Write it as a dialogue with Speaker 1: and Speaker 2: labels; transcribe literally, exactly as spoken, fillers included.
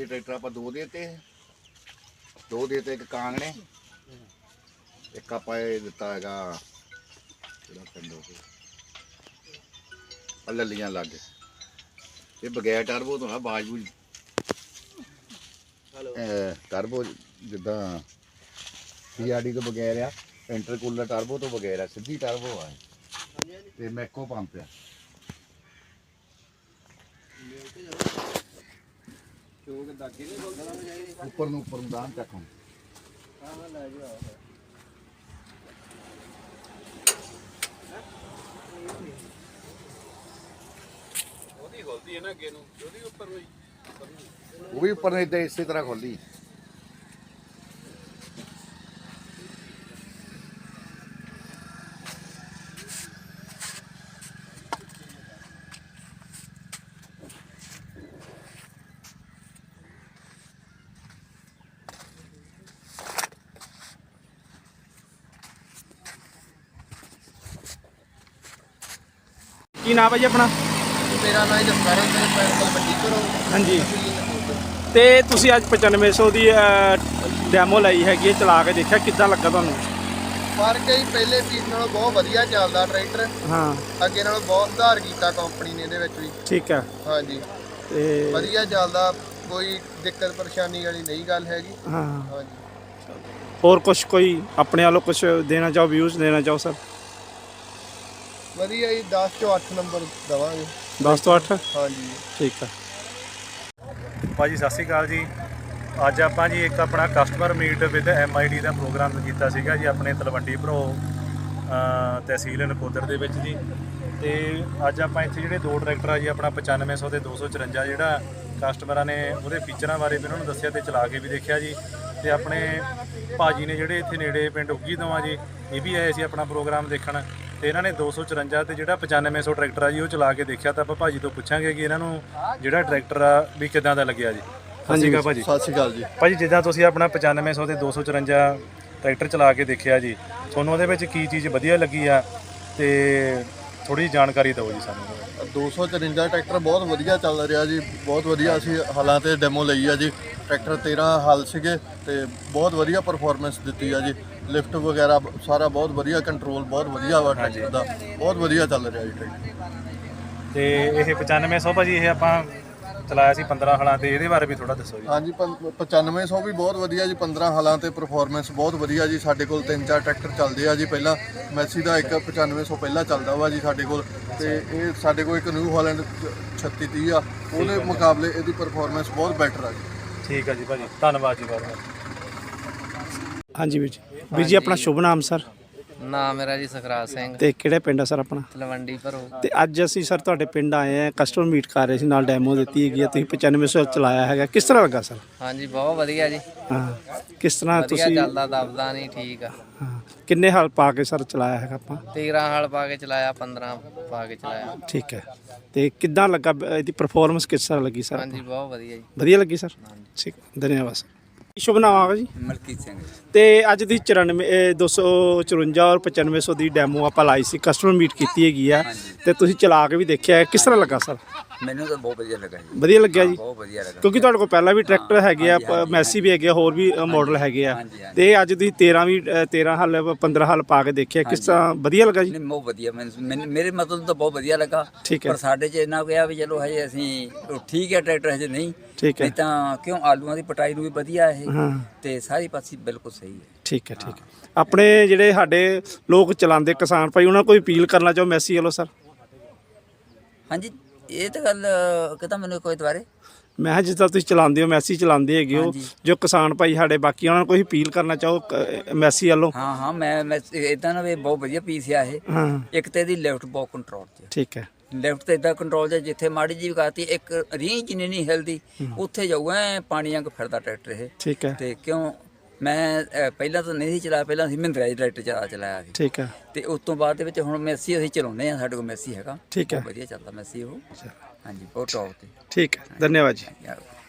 Speaker 1: ये ट्रैक्टर आप दो देते दो देते एक कांगने एक आप दिता है ललियां लग ये बगैर टर्बो तो ना बाज बूज टर्बो जिदा सी आर डी तो बगैर आ इंटरकूलर टर्बो तो बगैर है सीधी टर्बो है ते मैको पंप है ऊपर ਨੂੰ ऊपर दान चक वो भी ऊपर नहीं थे इसी तरह खोली
Speaker 2: ਕੀ ਨਾਮ ਹੈ ਜੀ ਆਪਣਾ?
Speaker 3: ਮੇਰਾ ਨਾਮ ਜਸਕਰਨ ਸਿੰਘ ਪਿੰਡ ਤਲਵੰਡੀ ਤੋਂ।
Speaker 2: ਹਾਂਜੀ ਤੇ ਤੁਸੀਂ ਅੱਜ ਪਚਾਨਵੇਂ ਸੌ ਦੀ ਡੈਮੋ ਲਈ ਹੈਗੀ ਹੈ, ਚਲਾ ਕੇ ਦੇਖਿਆ, ਕਿੱਦਾਂ ਲੱਗਾ ਤੁਹਾਨੂੰ?
Speaker 3: ਫਰਕ ਹੈ ਜੀ, ਪਹਿਲੇ ਪੀਸ ਨਾਲੋਂ ਬਹੁਤ ਵਧੀਆ ਚੱਲਦਾ ਟਰੈਕਟਰ।
Speaker 2: ਹਾਂ,
Speaker 3: ਅੱਗੇ ਨਾਲੋਂ ਬਹੁਤ ਸੁਧਾਰ ਕੀਤਾ ਕੰਪਨੀ ਨੇ ਇਹਦੇ ਵਿੱਚ ਵੀ।
Speaker 2: ਠੀਕ ਹੈ।
Speaker 3: ਹਾਂਜੀ
Speaker 2: ਤੇ
Speaker 3: ਵਧੀਆ ਚੱਲਦਾ, ਕੋਈ ਦਿੱਕਤ ਪਰੇਸ਼ਾਨੀ ਵਾਲੀ ਨਹੀਂ ਗੱਲ ਹੈਗੀ।
Speaker 2: ਹਾਂ,
Speaker 3: ਹਾਂਜੀ
Speaker 2: ਹੋਰ ਕੁਛ ਕੋਈ ਆਪਣੇ ਵੱਲੋਂ ਕੁਛ ਦੇਣਾ ਚਾਹੋ, ਵਿਊਜ਼ ਦੇਣਾ ਚਾਹੋ ਸਰ?
Speaker 3: ਵਧੀਆ ਜੀ, ਦਸ ਚੋਂ ਅੱਠ ਨੰਬਰ ਦੇਵਾਂਗੇ।
Speaker 2: ਦਸ ਤੋਂ ਅੱਠ?
Speaker 3: ਹਾਂਜੀ
Speaker 2: ਠੀਕ ਹੈ ਭਾਜੀ, ਸਤਿ ਸ਼੍ਰੀ ਅਕਾਲ ਜੀ। ਅੱਜ ਆਪਾਂ ਜੀ ਇੱਕ ਆਪਣਾ customer meet with M I D ਦਾ ਪ੍ਰੋਗਰਾਮ ਕੀਤਾ ਸੀਗਾ ਜੀ ਆਪਣੇ ਤਲਵੰਡੀ ਭਰੋ ਤਹਿਸੀਲ ਨਕੋਦਰ ਦੇ ਵਿੱਚ ਜੀ। ਤੇ ਅੱਜ ਆਪਾਂ ਇੱਥੇ ਜਿਹੜੇ ਦੋ ਟਰੈਕਟਰ ਆ ਜੀ, ਆਪਣਾ ਪਚਾਨਵੇਂ ਸੌ ਤੇ ਦੋ ਸੌ ਚੁਰੰਜਾ, ਜਿਹੜਾ ਕਸਟਮਰਾਂ ਨੇ ਉਹਦੇ ਫੀਚਰਾਂ ਬਾਰੇ ਵੀ ਉਹਨਾਂ ਨੂੰ ਦੱਸਿਆ ਤੇ ਚਲਾ ਕੇ ਵੀ ਦੇਖਿਆ ਜੀ। ਤੇ ਆਪਣੇ ਭਾਜੀ ਨੇ ਜਿਹੜੇ ਇੱਥੇ ਨੇੜੇ ਪਿੰਡ ਉੱਗੀ ਤੋਂ ਆ ਜੀ, ਇਹ ਵੀ ਆਏ ਸੀ ਆਪਣਾ ਪ੍ਰੋਗਰਾਮ ਦੇਖਣ। ਤੇ ਇਹਨਾਂ ਨੇ ਦੋ ਸੌ ਚੁਰੰਜਾ ਤੇ ਜਿਹੜਾ ਪਚਾਨਵੇਂ ਸੌ ਟਰੈਕਟਰ ਆ ਜੀ ਉਹ ਚਲਾ ਕੇ ਦੇਖਿਆ। ਤਾਂ ਆਪਾਂ ਭਾਜੀ ਤੋਂ ਪੁੱਛਾਂਗੇ ਕਿ ਇਹਨਾਂ ਨੂੰ ਜਿਹੜਾ ਟਰੈਕਟਰ ਆ ਵੀ ਕਿੱਦਾਂ ਦਾ ਲੱਗਿਆ ਜੀ। ਸਤਿ ਸ਼੍ਰੀ ਅਕਾਲ ਭਾਜੀ।
Speaker 3: ਸਤਿ ਸ਼੍ਰੀ ਅਕਾਲ ਜੀ।
Speaker 2: ਭਾਜੀ, ਜਿੱਦਾਂ ਤੁਸੀਂ ਆਪਣਾ ਪਚਾਨਵੇਂ ਸੌ ਤੇ ਦੋ ਸੌ ਚੁਰੰਜਾ ਟਰੈਕਟਰ ਚਲਾ ਕੇ ਦੇਖਿਆ ਜੀ, ਤੁਹਾਨੂੰ ਉਹਦੇ ਵਿੱਚ ਕੀ ਚੀਜ਼ ਵਧੀਆ ਲੱਗੀ ਆ ਤੇ ਥੋੜੀ ਜਾਣਕਾਰੀ ਦਿਓ ਜੀ ਸਾਨੂੰ।
Speaker 3: ਦੋ ਸੌ ਚੁਰੰਜਾ ਟਰੈਕਟਰ ਬਹੁਤ ਵਧੀਆ ਚੱਲ ਰਿਹਾ ਜੀ, ਬਹੁਤ ਵਧੀਆ। ਅਸੀਂ ਹਾਲਾਂ ਤੇ ਡੈਮੋ ਲਈ ਆ ਜੀ। ਟਰੈਕਟਰ ਤੇਰ੍ਹਾਂ ਹਲ ਸੀਗੇ ਤੇ ਬਹੁਤ ਵਧੀਆ ਪਰਫਾਰਮੈਂਸ ਦਿੱਤੀ ਆ ਜੀ। ਲਿਫਟ ਵਗੈਰਾ ਸਾਰਾ ਬਹੁਤ ਵਧੀਆ, ਕੰਟਰੋਲ ਬਹੁਤ ਵਧੀਆ ਵਾ ਟਰੈਕਟਰ ਦਾ, ਬਹੁਤ ਵਧੀਆ ਚੱਲ ਰਿਹਾ ਜੀ ਟਰੈਕਟਰ।
Speaker 2: ਤੇ ਇਹ ਪਚਾਨਵੇਂ ਸੌ ਭਾਜੀ ਇਹ ਆਪਾਂ ਚਲਾਇਆ ਸੀ ਪੰਦਰਾਂ ਹਲਾਂ ਤੇ, ਇਹਦੇ ਬਾਰੇ ਵੀ ਥੋੜਾ ਦੱਸੋ ਜੀ।
Speaker 3: ਹਾਂਜੀ, ਪਚਾਨਵੇਂ ਸੌ ਵੀ ਬਹੁਤ ਵਧੀਆ ਜੀ, ਪੰਦਰਾਂ ਹਾਲਾਂ ਤੇ ਪਰਫਾਰਮੈਂਸ ਬਹੁਤ ਵਧੀਆ ਜੀ। ਸਾਡੇ ਕੋਲ ਤਿੰਨ ਚਾਰ ਟਰੈਕਟਰ ਚੱਲਦੇ ਆ ਜੀ। ਪਹਿਲਾਂ ਮੈਸੀ ਦਾ ਇੱਕ ਪਚਾਨਵੇਂ ਸੌ ਪਹਿਲਾਂ ਚੱਲਦਾ ਵਾ ਜੀ ਸਾਡੇ ਕੋਲ, ਤੇ ਇਹ ਸਾਡੇ ਕੋਲ ਇੱਕ ਨਿਊ ਹਾਲੈਂਡ ਛੱਤੀ ਤੀਹ ਆ, ਉਹਦੇ ਮੁਕਾਬਲੇ ਇਹਦੀ ਪਰਫਾਰਮੈਂਸ ਬਹੁਤ ਬੈਟਰ ਆ ਜੀ।
Speaker 2: ਠੀਕ ਆ ਜੀ ਭਾਜੀ, ਧੰਨਵਾਦ ਜੀ ਬਹੁਤ ਬਹੁਤ। ਹਾਂਜੀ ਵੀਰ ਜੀ। ਵੀਰ ਜੀ, ਆਪਣਾ ਸ਼ੁਭ ਨਾਮ ਸਰ?
Speaker 4: ਨਾਮ ਮੇਰਾ ਜੀ ਸੁਖਰਾਜ ਸਿੰਘ,
Speaker 2: ਤੇ ਕਿਹੜਾ ਪਿੰਡ ਆ ਸਰ ਆਪਣਾ?
Speaker 4: ਤਲਵੰਡੀ ਭਰੋ।
Speaker 2: ਤੇ ਅੱਜ ਅਸੀਂ ਸਰ ਤੁਹਾਡੇ ਪਿੰਡ ਆਏ ਆ, ਕਸਟਮਰ ਮੀਟ ਕਰ ਰਹੇ ਸੀ, ਨਾਲ ਡੈਮੋ ਦਿੱਤੀ ਹੈਗੀ ਆ, ਤੁਸੀਂ ਪਚਾਨਵੇਂ ਸੌ ਚਲਾਇਆ ਹੈਗਾ, ਕਿਸ ਤਰ੍ਹਾਂ ਲੱਗਾ ਸਰ?
Speaker 4: ਹਾਂਜੀ, ਬਹੁਤ ਵਧੀਆ ਜੀ।
Speaker 2: ਹਾਂ, ਕਿਸ ਤਰ੍ਹਾਂ
Speaker 4: ਵਧੀਆ
Speaker 2: ਤੁਸੀਂ?
Speaker 4: ਚੱਲਦਾ, ਦਬਦਾ ਨਹੀਂ, ਠੀਕ ਆ।
Speaker 2: ਹਾਂ, ਕਿੰਨੇ ਹਲ ਪਾ ਕੇ ਸਰ ਚਲਾਇਆ ਹੈਗਾ ਆਪਾਂ?
Speaker 4: ਤੇਰ੍ਹਾਂ ਹਲ ਪਾ ਕੇ ਚਲਾਇਆ, ਪੰਦਰਾਂ ਪਾ ਕੇ ਚਲਾਇਆ।
Speaker 2: ਠੀਕ ਹੈ। ਤੇ ਕਿੱਦਾਂ ਲੱਗਾ, ਇਹਦੀ ਪਰਫਾਰਮੈਂਸ ਕਿਸ ਤਰ੍ਹਾਂ ਲੱਗੀ ਸਰ?
Speaker 4: ਹਾਂਜੀ, ਬਹੁਤ ਵਧੀਆ ਜੀ।
Speaker 2: ਵਧੀਆ ਲੱਗੀ ਸਰ? ਠੀਕ, ਧੰਨਵਾਦ ਸਰ। ਸ਼ੁਭ ਨਾਮ ਆਗਾ ਜੀ?
Speaker 4: ਮਲਕੀਤ ਸਿੰਘ।
Speaker 2: ਤੇ ਅੱਜ ਦੀ ਚੁਰਾਨਵੇਂ ਦੋ ਸੌ ਚੁਰੰਜਾ ਔਰ ਪਚਾਨਵੇਂ ਸੌ ਦੀ ਡੈਮੋ ਆਪਾਂ ਲਾਈ ਸੀ, ਕਸਟਮਰ ਮੀਟ ਕੀਤੀ ਹੈਗੀ ਆ, ਤੇ ਤੁਸੀਂ ਚਲਾ ਕੇ ਵੀ ਦੇਖਿਆ, ਕਿਸ ਤਰ੍ਹਾਂ ਲੱਗਾ ਸਰ?
Speaker 5: ਮੈਨੂੰ ਤਾਂ ਬਹੁਤ ਵਧੀਆ ਲੱਗਾ ਜੀ।
Speaker 2: ਵਧੀਆ ਲੱਗਿਆ ਜੀ?
Speaker 5: ਬਹੁਤ ਵਧੀਆ ਲੱਗਾ,
Speaker 2: ਕਿਉਂਕਿ ਤੁਹਾਡੇ ਕੋਲ ਪਹਿਲਾਂ ਵੀ ਟਰੈਕਟਰ ਹੈਗੇ ਆ, ਮੈਸੀ ਵੀ ਹੈਗੇ ਆ, ਹੋਰ ਵੀ ਮਾਡਲ ਹੈਗੇ ਆ, ਤੇ ਅੱਜ ਤੁਸੀਂ ਤੇਰ੍ਹਾਂ ਵੀ ਤੇਰ੍ਹਾਂ ਹਲ ਪੰਦਰਾਂ ਹਲ ਪਾ ਕੇ ਦੇਖਿਆ, ਕਿਸ ਤਰ੍ਹਾਂ ਵਧੀਆ ਲੱਗਾ ਜੀ?
Speaker 5: ਨਹੀਂ, ਬਹੁਤ ਵਧੀਆ। ਮੈਨੂੰ ਮੇਰੇ ਮਤਲਬ ਤਾਂ ਬਹੁਤ ਵਧੀਆ ਲੱਗਾ।
Speaker 2: ਠੀਕ ਹੈ।
Speaker 5: ਪਰ ਸਾਡੇ 'ਚ ਇੰਨਾ ਕਿਹਾ ਵੀ ਚਲੋ ਹਜੇ ਅਸੀਂ ਠੀਕ ਹੈ, ਟਰੈਕਟਰ ਹਜੇ ਨਹੀਂ।
Speaker 2: ਠੀਕ ਹੈ।
Speaker 5: ਨਹੀਂ ਤਾਂ ਕਿਉਂ ਆਲੂਆਂ ਦੀ ਪਟਾਈ ਨੂੰ ਵੀ ਵਧੀਆ ਇਹ,
Speaker 2: ਹਾਂ,
Speaker 5: ਤੇ ਸਾਰੀ ਪਾਸੇ ਬਿਲਕੁਲ ਸਹੀ ਹੈ।
Speaker 2: ਠੀਕ ਹੈ। ਠੀਕ ਹੈ। ਆਪਣੇ ਜਿਹੜੇ ਸਾਡੇ ਲੋਕ ਚਲਾਉਂਦੇ ਕਿਸਾਨ ਭਾਈ, ਉਹਨਾਂ ਨੂੰ ਕੋਈ ਅਪੀਲ ਕਰਨਾ ਚਾਹੋ ਮੈਸੀ ਵੱਲੋਂ ਸਰ?
Speaker 5: ਹਾਂਜੀ, ਇਹ ਤਾਂ ਗੱਲ ਕਹਿੰਦਾ ਮੈਨੂੰ ਕੋਈ ਦੁਬਾਰੇ।
Speaker 2: ਮੈਂ ਕਿਹਾ ਜਿੱਦਾਂ ਤੁਸੀਂ ਚਲਾਉਂਦੇ ਹੋ, ਮੈਸੀ ਚਲਾਉਂਦੇ ਹੈਗੇ ਹੋ, ਜੋ ਕਿਸਾਨ ਭਾਈ ਸਾਡੇ ਬਾਕੀ, ਉਹਨਾਂ ਨੂੰ ਕੋਈ ਅਪੀਲ ਕਰਨਾ ਚਾਹੋ ਮੈਸੀ ਵੱਲੋਂ?
Speaker 5: ਹਾਂ ਹਾਂ, ਮੈਂ ਮੈਂ ਇਦਾਂ ਨਾ ਵੀ ਬਹੁਤ ਵਧੀਆ ਪੀਸ ਆ ਇਹ।
Speaker 2: ਹਾਂ,
Speaker 5: ਇੱਕ ਤੇ ਇਹਦੀ ਲੈਫਟ ਬਹੁਤ ਕੰਟਰੋਲ 'ਚ,
Speaker 2: ਠੀਕ ਹੈ।
Speaker 5: ਲੈਫਟ ਤੇ ਇਦਾਂ ਕੰਟਰੋਲ 'ਚ ਜਿੱਥੇ ਮਾੜੀ ਜਿਹੀ ਕਰਤੀ, ਇੱਕ ਰੀਂਹ ਜਿੰਨੀ ਨਹੀਂ ਹਿਲਦੀ, ਉੱਥੇ ਜਾਊਗਾ ਐਂ ਪਾਣੀ ਵਾਂਗ ਫਿਰਦਾ ਟਰੈਕਟਰ ਇਹ।
Speaker 2: ਠੀਕ ਹੈ।
Speaker 5: ਤੇ ਕਿਉਂ ਮੈਂ ਅ, ਪਹਿਲਾਂ ਤਾਂ ਨਹੀਂ ਸੀ ਚਲਾਇਆ, ਪਹਿਲਾਂ ਅਸੀਂ ਮਹਿੰਦਰਾ ਜੀ ਟਰੈਕਟਰ ਚਲਾ ਚਲਾਇਆ ਸੀ।
Speaker 2: ਠੀਕ ਹੈ।
Speaker 5: ਤੇ ਉਸ ਤੋਂ ਬਾਅਦ ਦੇ ਵਿੱਚ ਹੁਣ ਮੈਸੀ ਅਸੀਂ ਚਲਾਉਂਦੇ ਆ, ਸਾਡੇ ਕੋਲ ਮੈਸੀ ਹੈਗਾ।
Speaker 2: ਠੀਕ ਹੈ।
Speaker 5: ਬਹੁਤ ਵਧੀਆ ਚੱਲਦਾ ਮੈਸੀ ਉਹ। ਹਾਂਜੀ, ਬਹੁਤ ਟੌਪ ਤੇ।
Speaker 2: ਠੀਕ ਹੈ, ਧੰਨਵਾਦ ਜੀ।
Speaker 5: ਯਾਰ